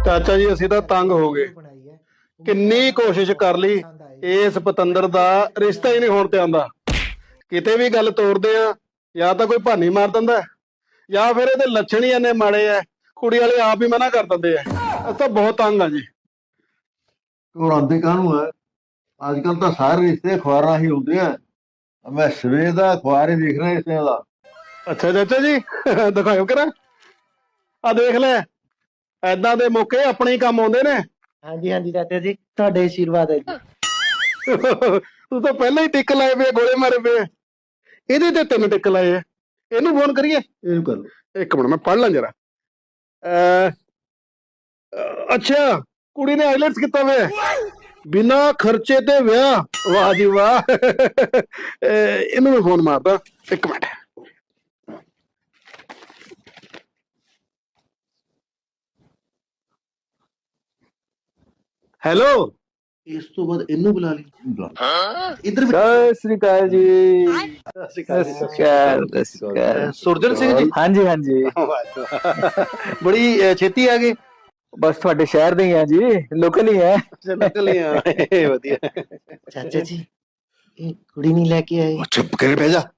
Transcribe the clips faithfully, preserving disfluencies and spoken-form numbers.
ਚਾਚਾ ਜੀ ਅਸੀਂ ਤਾਂ ਤੰਗ ਹੋ ਗਏ। ਕਿੰਨੀ ਕੋਸ਼ਿਸ਼ ਕਰ ਲਈ, ਇਸ ਪਤੰਦਰ ਦਾ ਰਿਸ਼ਤਾ ਹੀ ਨਹੀਂ ਹੋਣ ਤੇ ਆਂਦਾ। ਕਿਤੇ ਵੀ ਗੱਲ ਤੋਰਦੇ ਆ, ਜਾਂ ਤਾਂ ਕੋਈ ਭਾਨੀ ਮਾਰ ਦਿੰਦਾ, ਜਾਂ ਫਿਰ ਇਹਦੇ ਲੱਛਣ ਹੀ ਇੰਨੇ ਮਾੜੇ ਆ, ਕੁੜੀ ਵਾਲੇ ਆਪ ਹੀ ਮਨਾ ਕਰ ਦਿੰਦੇ ਆ। ਅਸੀਂ ਤਾਂ ਬਹੁਤ ਤੰਗ ਆ ਜੀ। ਘਬਰਾਉਂਦੇ ਕਾਹਨੂੰ ਹੈ? ਅੱਜ ਕੱਲ ਤਾਂ ਸਾਰੇ ਰਿਸ਼ਤੇ ਅਖਬਾਰਾਂ ਹੀ ਹੁੰਦੇ ਆ। ਮੈਂ ਸਵੇਰ ਦਾ ਅਖਬਾਰ ਹੀ ਦੇਖ ਰਿਹਾ ਰਿਸ਼ਤਿਆਂ ਦਾ। ਅੱਛਾ ਚਾਚਾ ਜੀ, ਦਿਖਾਇਓ ਕਰਾਂ। ਆ ਦੇਖ ਲੈ, ਏਦਾਂ ਦੇ ਮੌਕੇ ਆਪਣੇ ਹੀ ਕੰਮ ਆਉਂਦੇ ਨੇ। ਹਾਂਜੀ ਹਾਂਜੀ ਚਾਚਾ ਜੀ, ਤੁਹਾਡੇ ਆਸ਼ੀਰਵਾਦ ਹੈ ਜੀ। ਤੂੰ ਤਾਂ ਪਹਿਲਾਂ ਹੀ ਟਿੱਕ ਲਾਏ ਪਏ, ਗੋਲੇ ਮਾਰੇ ਪਏ। ਇਹਦੇ ਤੇ ਤਿੰਨ ਟਿੱਕ ਲਾਏ ਆ। ਇਹਨੂੰ ਫੋਨ ਕਰੀਏ? ਇਹਨੂੰ ਕਰ ਲਓ। ਇੱਕ ਮਿੰਟ ਮੈਂ ਪੜ੍ਹ ਲਾਂ ਜਰਾ। ਅੱਛਾ, ਕੁੜੀ ਨੇ ਆਈਲੈਟਸ ਕੀਤਾ ਵੇ, ਬਿਨਾਂ ਖਰਚੇ ਤੇ ਵਿਆਹ। ਵਾਹ ਜੀ ਵਾਹ। ਇਹਨੂੰ ਮੈਂ ਫੋਨ ਮਾਰਦਾ, ਇੱਕ ਮਿੰਟ। ਹੈਲੋ। ਇਸ ਤੋਂ ਬਾਅਦ ਇਹਨੂੰ ਬੁਲਾ ਲਈ। ਇੱਧਰ ਸਤਿ ਸ੍ਰੀ ਅਕਾਲ ਜੀ। ਸਤਿ ਸ਼੍ਰੀ ਸਤਿ ਸ੍ਰੀ ਅਕਾਲ, ਸਤਿ ਸ੍ਰੀ ਅਕਾਲ। ਸੁਰਜਨ ਸਿੰਘ ਜੀ, ਹਾਂਜੀ ਹਾਂਜੀ, ਬੜੀ ਅਹ, ਛੇਤੀ ਆ ਗਏ। ਬਸ ਤੁਹਾਡੇ ਸ਼ਹਿਰ ਦੇ ਹੀ ਆ ਜੀ, ਲੋਕਲ ਹੀ ਹੈ। ਨਿਕਲ ਹੀ ਆ। ਵਧੀਆ। ਚਾਚਾ ਜੀ, ਇਹ ਕੁੜੀ ਨਹੀਂ ਲੈ ਕੇ ਆਏ? ਚੁੱਪ ਕਰੇ ਬਹਿ ਜਾ।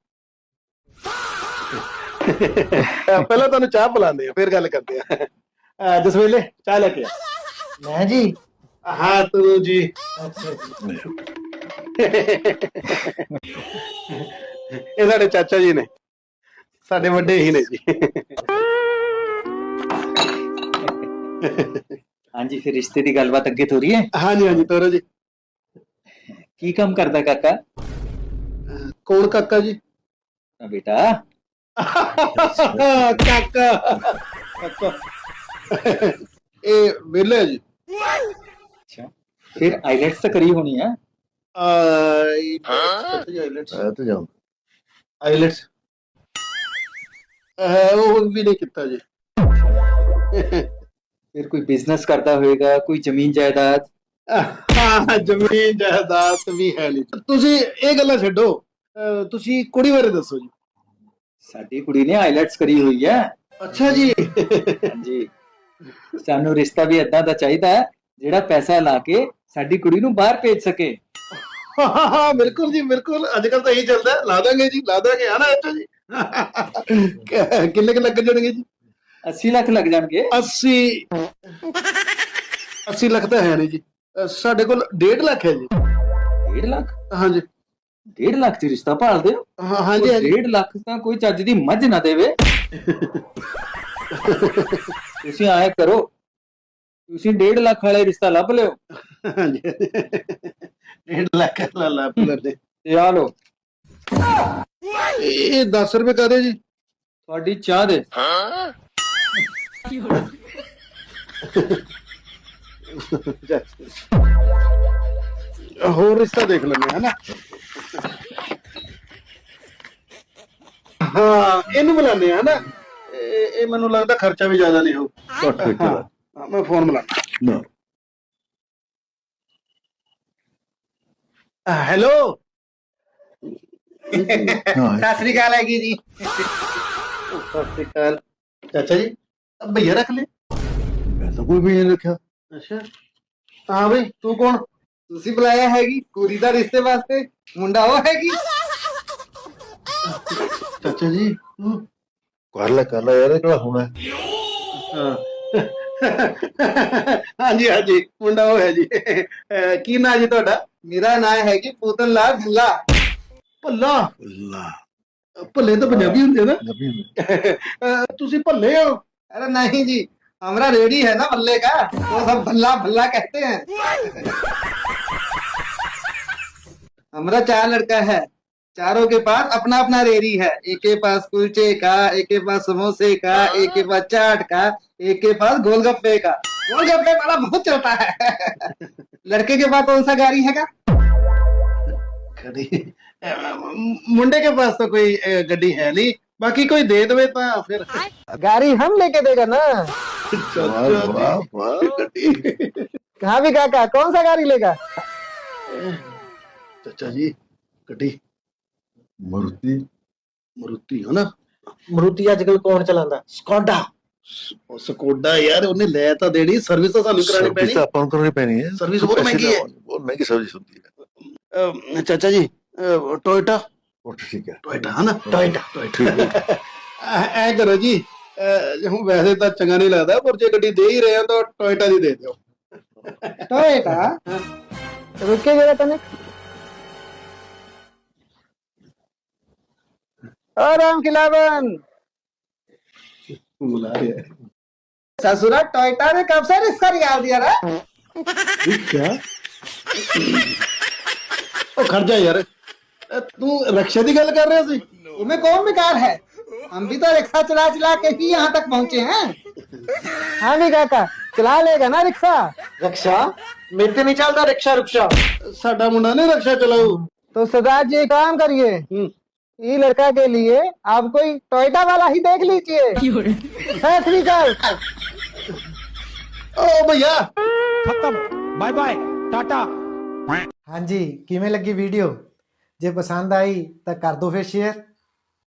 ਪਹਿਲਾਂ ਤੁਹਾਨੂੰ ਚਾਹ ਪਿਲਾਉਂਦੇ ਆ, ਫਿਰ ਗੱਲ ਕਰਦੇ ਆ। ਅਹ, ਜਸਵੇਲੇ ਚਾਹ ਲੈ ਕੇ ਆ। ਮੈਂ ਜੀ? ਹਾਂ ਤੂੰ ਜੀ। ਅੱਛਾ ਜੀ। ਇਹ ਸਾਡੇ ਚਾਚਾ ਜੀ ਨੇ, ਸਾਡੇ ਵੱਡੇ ਹੀ ਨੇ ਜੀ। ਹਾਂਜੀ, ਫਿਰ ਰਿਸ਼ਤੇ ਦੀ ਗੱਲਬਾਤ ਅੱਗੇ ਤੋਰੀ ਹੈ। ਹਾਂਜੀ ਹਾਂਜੀ ਤੋਰੋ ਜੀ। ਕੀ ਕੰਮ ਕਰਦਾ ਕਾਕਾ? ਕੌਣ ਕਾਕਾ ਜੀ? ਆ ਬੇਟਾ। ਕਾਕਾ ਕਾਕਾ ਇਹ ਵਿਹਲੇ ਜੀ। ਅੱਛਾ, ਫਿਰ ਆਈਲੈਟਸ ਤਾਂ ਕਰੀ ਹੋਣੀ ਹੈ। ਆਈਲੈਟਸ ਆ ਤੇ ਜਾਓ। ਆਈਲੈਟਸ ਉਹ ਵੀ ਨਹੀਂ ਕੀਤਾ ਜੀ। ਫਿਰ ਕੋਈ ਬਿਜ਼ਨਸ ਕਰਦਾ ਹੋਏਗਾ, ਕੋਈ ਜ਼ਮੀਨ ਜਾਇਦਾਦ? ਹਾਂ, ਜ਼ਮੀਨ ਜਾਇਦਾਦ ਵੀ ਹੈ ਨਹੀਂ। ਤੁਸੀਂ ਇਹ ਗੱਲਾਂ ਛੱਡੋ, ਅਹ, ਤੁਸੀਂ ਕੁੜੀ ਬਾਰੇ ਦੱਸੋ ਜੀ। ਸਾਡੀ ਕੁੜੀ ਨੇ ਆਈਲੈਟਸ ਕਰੀ ਹੋਈ ਹੈ। ਅੱਛਾ ਜੀ। ਹਾਂਜੀ, ਸਾਨੂੰ ਰਿਸ਼ਤਾ ਵੀ ਏਦਾਂ ਦਾ ਚਾਹੀਦਾ ਹੈ ਜਿਹੜਾ ਪੈਸਾ ਲਾ ਕੇ ਸਾਡੀ ਕੁੜੀ ਨੂੰ ਬਾਹਰ ਭੇਜ ਸਕੇ। ਹਾਂ ਬਿਲਕੁਲ ਜੀ, ਬਿਲਕੁਲ। ਅੱਜ ਕੱਲ ਤਾਂ ਇਹੀ ਚੱਲਦਾ। ਲਾ ਦਾਂਗੇ ਜੀ, ਲਾ ਦਾਂਗੇ। ਆਣਾ ਇੱਥੇ ਜੀ। ਕਿੰਨੇ ਕੁ ਲੱਗ ਜਾਣਗੇ ਜੀ? अस्सी ਲੱਖ ਲੱਗ ਜਾਣਗੇ। ਅੱਸੀ ਅੱਸੀ ਲੱਖ ਤਾਂ ਹੈ ਨਹੀਂ ਜੀ, ਅਹ, ਸਾਡੇ ਕੋਲ ਡੇਢ ਲੱਖ ਹੈ ਜੀ। ਡੇਢ ਲੱਖ? ਹਾਂਜੀ ਡੇਢ ਲੱਖ ਚ ਰਿਸ਼ਤਾ ਭਾਲਦੇ ਹੋ? ਹਾਂ ਹਾਂਜੀ ਹਾਂਜੀ। ਡੇਢ ਲੱਖ ਤਾਂ ਕੋਈ ਚੱਜ ਦੀ ਮੱਝ ਨਾ ਦੇਵੇ। ਤੁਸੀਂ ਆਏ ਕਰੋ, ਤੁਸੀਂ ਡੇਢ ਲੱਖ ਵਾਲੇ ਰਿਸ਼ਤਾ ਲੱਭ ਲਿਓ। ਹਾਂਜੀ ਡੇਢ ਲੱਖ ਲਾ ਲਾ ਲੈਂਦੇ। ਤੇ ਆ ਲਓ ਇਹ ਦਸ ਰੁਪਏ ਕਾਹਦੇ ਜੀ? ਤੁਹਾਡੀ ਚਾਹ ਦੇ। ਹੋਰ ਰਿਸ਼ਤਾ ਦੇਖ ਲੈਂਦੇ ਹੈ ਨਾ। ਹਾਂ ਇਹਨੂੰ ਬੁਲਾਉਂਦੇ ਆ ਨਾ। ਇਹ ਇਹ ਮੈਨੂੰ ਲੱਗਦਾ ਖਰਚਾ ਵੀ ਜ਼ਿਆਦਾ ਨਹੀਂ ਹੋਊ। ਘੱਟ ਖਰਚਾ ਦਾ। ਹਾਂ, ਮੈਂ ਫੋਨ ਮਿਲਾਣਾ। ਨਾ ਹੈਲੋ। ਹਾਂ, ਸਤਿ ਸ੍ਰੀ ਅਕਾਲ ਹੈਗੀ ਜੀ। ਸਤਿ ਸ਼੍ਰੀ ਅਕਾਲ ਚਾਚਾ ਜੀ। ਭਈਆ ਰੱਖ ਲੈ। ਮੈਂ ਤਾਂ ਕੋਈ ਵੀ ਨਹੀਂ ਰੱਖਿਆ। ਅੱਛਾ, ਹਾਂ ਬਈ ਤੂੰ ਕੌਣ? ਤੁਸੀਂ ਬੁਲਾਇਆ ਹੈਗੀ ਕੁੜੀ ਦਾ ਰਿਸ਼ਤੇ ਵਾਸਤੇ? ਮੁੰਡਾ ਉਹ ਹੈਗੀ? ਚਾਚਾ ਜੀ ਤੂੰ? ਕਰ ਲੈ ਕਰ ਲੈ ਯਾਰ, ਇਹ ਕਿਹੜਾ ਹੋਣਾ। ਹਾਂ। ਹਾਂਜੀ ਹਾਂਜੀ, ਮੁੰਡਾ ਉਹ ਹੈ ਜੀ। ਅਹ, ਕੀ ਨਾਂ ਜੀ ਤੁਹਾਡਾ? ਮੇਰਾ ਨਾਮ ਹੈਗੀ ਪੂਤਨ ਲਾਲ ਭੁੱਲਾ। ਭੱਲਾ? ਅੱਲਾ ਭੱਲੇ ਤਾਂ ਪੰਜਾਬੀ ਹੁੰਦੇ ਨਾ। ਨਬੀ ਹੁੰਦੇ। ਅਹ, ਤੁਸੀਂ ਭੱਲੇ ਹੋ? अरे नहीं जी, हमारा रेडी है ना भल्ले का, वो सब भल्ला भल्ला कहते हैं। हमारा चार लड़का है, चारों के पास अपना अपना रेडी है। एक के पास कुलचे का, एक के पास समोसे का, एक के पास चाट का, एक के पास गोलगप्पे का। गोलगप्पे वाला बहुत चलता है। लड़के के पास कौन सा गाड़ी हैगा? ਗੱਡੀ? ਮੁੰਡੇ ਕੇ ਪਾਸ ਤਾਂ ਕੋਈ ਅਹ, ਗੱਡੀ ਹੈ ਨਹੀਂ। ਬਾਕੀ ਕੋਈ ਦੇ ਦੇਵੇ ਤਾਂ ਫਿਰ। गाड़ी हम लेके देगा ना। ਵਾਹ ਵਾਹ ਵਾਹ। ਗੱਡੀ। कहाँ भी काका, कौन सा गाड़ी लेगा? ਚਾਚਾ ਜੀ ਗੱਡੀ ਮਰੂਤੀ। ਮਰੂਤੀ ਹੈ ਨਾ। ਮਰੂਤੀ ਅੱਜ ਕੱਲ ਕੌਣ ਚਲਾਉਂਦਾ? ਸਕੋਡਾ। ਉਹ ਸਕੋਡਾ ਯਾਰ ਉਹਨੇ ਲੈ ਤਾਂ ਦੇਣੀ, ਸਰਵਿਸ ਤਾਂ ਸਾਨੂੰ ਕਰਾਣੀ ਸਰਵਿਸ ਪੈਣੀ। ਤਾਂ ਆਪਾਂ ਨੂੰ ਕਰਨੀ ਪੈਣੀ ਹੈ। ਸਰਵਿਸ ਬਹੁਤ ਪੈਸੇ ਮਹਿੰਗੀ ਹੈ। ਲਵਾਉਣੇ, ਬਹੁਤ ਮਹਿੰਗੀ ਸਰਵਿਸ ਹੁੰਦੀ ਹੈ। ਅਹ ਚਾਚਾ ਜੀ, ਅਹ ਟੋਇਟਾ ਉਹ ਠੀਕ ਹੈ। ਟੋਇਟਾ ਹੈ ਨਾ, ਟੋਇਟਾ ਠੀਕ ਹੈ। ਐ ਐ ਕਰੋ ਜੀ, ਅਹ ਹੁਣ ਵੈਸੇ ਤਾਂ ਚੰਗਾ ਨਹੀਂ ਲੱਗਦਾ, ਪਰ ਜੇ ਗੱਡੀ ਦੇ ਹੀ ਰਹੇ ਹੋ ਤਾਂ ਟੋਇਟਾ ਦੀ ਦੇ ਦਿਓ। टोयोटा रुके जरा तनिक। ओ राम खिलावन, बुला रहे हैं। ससुरा टोयोटा ने कब से रिश्ता निकाल दिया रे? क्या? ਉਹ ਖੜ ਜਾ ਯਾਰ, ਅਹ ਤੂੰ ਰਕਸ਼ਾ ਦੀ ਗੱਲ ਕਰ ਰਿਹਾ ਸੀ? तुम्हें कौन बेकार है? हम भी तो रिक्शा चला चला के ही यहाँ तक पहुँचे हैं। हाँ भी काका, चला लेगा ना रिक्शा? रक्षा मेरे से नहीं चलता रिक्शा रुक्शा। ਸਾਡਾ ਮੁੰਡਾ ਨੇ ਰਕਸ਼ਾ ਚਲਾऊ। तो सरदार जी एक काम करिए, ये लड़का के लिए आप कोई टोयोटा वाला ही देख लीजिए। सत श्री अकाल। ਓ ਭਈਆ, खत्म, बाय बाय, टाटा। ਹਾਂਜੀ ਕਿਵੇਂ ਲੱਗੀ ਵੀਡੀਓ? ਜੇ ਪਸੰਦ ਆਈ ਤਾਂ ਕਰ ਦਿਓ ਫਿਰ ਸ਼ੇਅਰ